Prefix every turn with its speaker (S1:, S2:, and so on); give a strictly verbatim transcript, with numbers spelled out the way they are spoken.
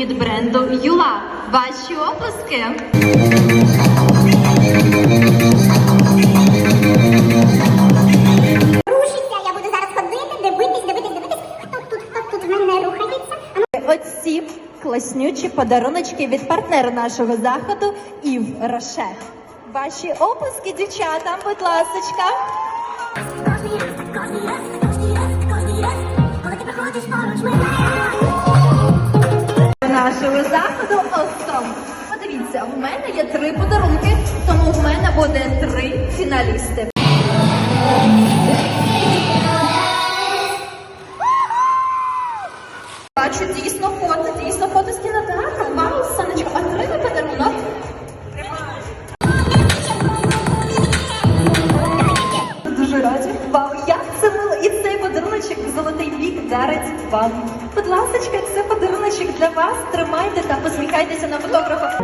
S1: від бренду Юла. Ваші оплески!
S2: Рушиться, я буду зараз ходити, дивитись, дивитись, дивитись, хто тут, хто тут в мене рухається.
S1: Оці класнючі подаруночки від партнера нашого заходу Ів Роше. Ваші оплески, дівчатам, будь ласочка.
S2: Кожний раз, кожний раз, кожний раз, кожний раз, коли ти приходиш поруч мене.
S1: Нашого заходу Остом. Подивіться, в мене є три подарунки, тому в мене буде три фіналісти. Бачу дійсно фото, дійсно фото з кінотеатру. Вау, сонечко, отримай подарунок. Дуже раді. Вау, як це мило. І цей подаруночок золотий вік дарить вам. Будь ласочка, це подаруночок для вас. Тримайте та посміхайтеся на фотографа.